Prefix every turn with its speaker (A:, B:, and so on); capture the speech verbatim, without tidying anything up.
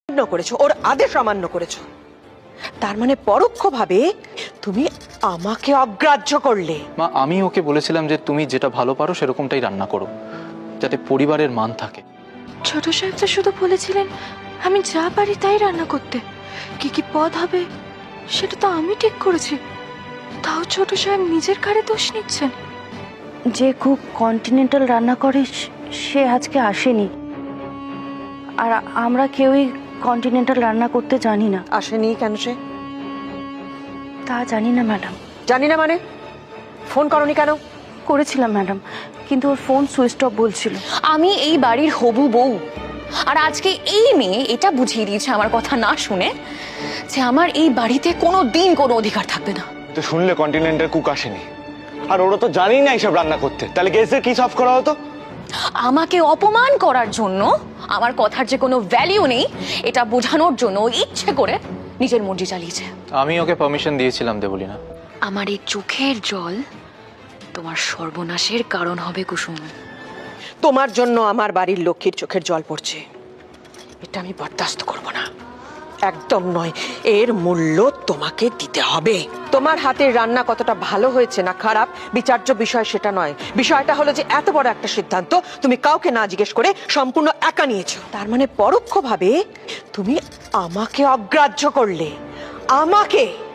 A: করেছো, ওর আদেশ অমান্য করেছো। তার মানে পরোক্ষভাবে তুমি আমাকে অগ্রাহ্য করলে।
B: মা, আমি ওকে বলেছিলাম যে তুমি যেটা ভালো পারো সেরকমটাই রান্না করো, যাতে পরিবারের মান থাকে।
C: ছোট সাহেব তো শুধু বলেছিলেন আমি যা পারি তাই রান্না করতে, কি কি পদ হবে সেটা তো আমি ঠিক করেছি। তাও ছোট সাহেব নিজের ঘাড়ে দোষ নিচ্ছেন।
D: যে কুক কন্টিনেন্টাল রান্না করে সে আজকে আসেনি, আর আমরা কেউই কন্টিনেন্টাল রান্না করতে জানি না।
A: আসেনি কেন সে?
D: তা জানি না ম্যাডাম।
A: জানি না মানে? ফোন করনি কেন?
D: করেছিলাম ম্যাডাম, কিন্তু ওর ফোন সুইচ অফ বলছিল।
E: আমি এই বাড়ির হবু বউ, আর আজকে এই মেয়ে এটা বুঝিয়ে দিয়েছে আমার কথা না শুনে যে আমার এই বাড়িতে কোনো দিন কোনো অধিকার থাকবে না।
F: তো শুনলে কন্টিনেন্টের কুক আসেনি, আর ওরা তো জানি না এইসব রান্না করতে, তাহলে গেস্টদের কি সার্ভ করা হতো?
E: আমাকে অপমান করার জন্য, আমার কথার যে কোনো ভ্যালিউ নেই এটা বোঝানোর জন্য ইচ্ছে করে নিজের মর্জি চালিয়েছে।
B: আমি ওকে পারমিশন দিয়েছিলাম দেবলিনা।
E: আমার এই চোখের জল তোমার সর্বনাশের কারণ হবে কুসুম।
A: তোমার জন্য আমার বাড়ির লক্ষ্মীর চোখের জল পড়ছে, এটা আমি বরদাস্ত করব না, একদম নয়। এর মূল্য তোমাকে দিতে হবে। তোমার হাতের রান্না কতটা ভালো হয়েছে না খারাপ বিচার্য বিষয় সেটা নয়। বিষয়টা হলো যে এত বড় একটা সিদ্ধান্ত তুমি কাউকে না জিজ্ঞেস করে সম্পূর্ণ একা নিয়েছো। তার মানে পরোক্ষভাবে তুমি আমাকে অগ্রাহ্য করলে, আমাকে।